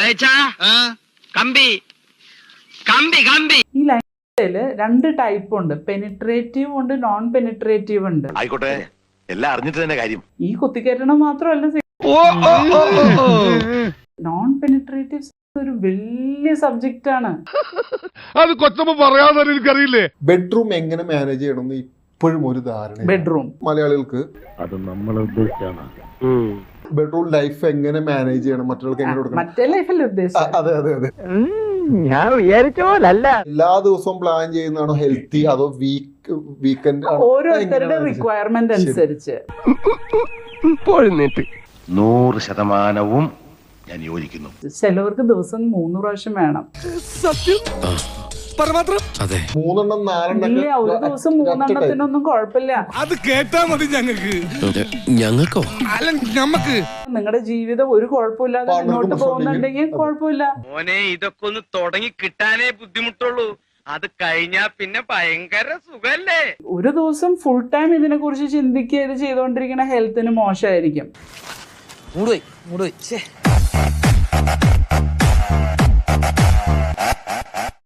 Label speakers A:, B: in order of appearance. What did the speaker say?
A: ഈ ലൈനില് 2 ടൈപ്പ് ഉണ്ട്, പെനിട്രേറ്റീവ് ഉണ്ട്, നോൺ പെനിട്രേറ്റീവ് ഉണ്ട്.
B: ആയിക്കോട്ടെ, എല്ലാം അറിഞ്ഞിട്ട് തന്നെ കാര്യം.
A: ഈ കുത്തിക്കയറ്റണം മാത്രമല്ല, നോൺ പെനിട്രേറ്റീവ് ഒരു വലിയ സബ്ജക്റ്റ് ആണ്.
C: അത് കൊച്ചമ്മ പറയാതെ എനിക്കറിയില്ലേ.
D: ബെഡ്റൂം എങ്ങനെ മാനേജ് ചെയ്യണം ഇപ്പോഴും ഒരു ധാരണ.
A: ബെഡ്റൂം
D: മലയാളികൾക്ക്
E: അത് നമ്മളെ ഉദ്ദേശിച്ചാണ്.
D: ബെഡ്റൂം ലൈഫ് എങ്ങനെ മാനേജ് ചെയ്യണം, മറ്റുള്ളവർക്ക് എങ്ങനെ കൊടുക്കണം,
A: മറ്റേ ലൈഫല്ലേ ഉദ്ദേശിച്ചത്?
D: അതെ അതെ അതെ.
E: ഞാൻ വിചാരിച്ച പോലല്ല.
D: എല്ലാ ദിവസവും പ്ലാൻ ചെയ്യുന്നതാണോ ഹെൽത്തി, അതോ വീക്കെൻഡ്?
A: ഓരോരുത്തരുടെ റിക്വയർമെന്റ് അനുസരിച്ച്
B: 100% ഞാൻ യോജിക്കുന്നു.
A: ചിലവർക്ക് ദിവസം 3 പ്രാവശ്യം വേണം.
D: 3 4
A: ഇല്ല, ഒരു ദിവസം 3 കുഴപ്പമില്ല.
C: അത് കേട്ടാ മതി ഞങ്ങൾക്കോ അല്ല ഞമ്മക്ക്.
A: നിങ്ങളുടെ ജീവിതം ഒരു കുഴപ്പമില്ലാതെ മുന്നോട്ട് പോകുന്നുണ്ടെങ്കിൽ കുഴപ്പമില്ല.
F: മോനെ, ഇതൊക്കെ ഒന്ന് തുടങ്ങി കിട്ടാനേ ബുദ്ധിമുട്ടുള്ളൂ. അത് കഴിഞ്ഞാ പിന്നെ ഭയങ്കര സുഖല്ലേ.
A: ഒരു ദിവസം ഫുൾ ടൈം ഇതിനെ കുറിച്ച് ചിന്തിക്കുക, ഇത് ചെയ്തോണ്ടിരിക്കുന്ന ഹെൽത്തിന് മോശമായിരിക്കും.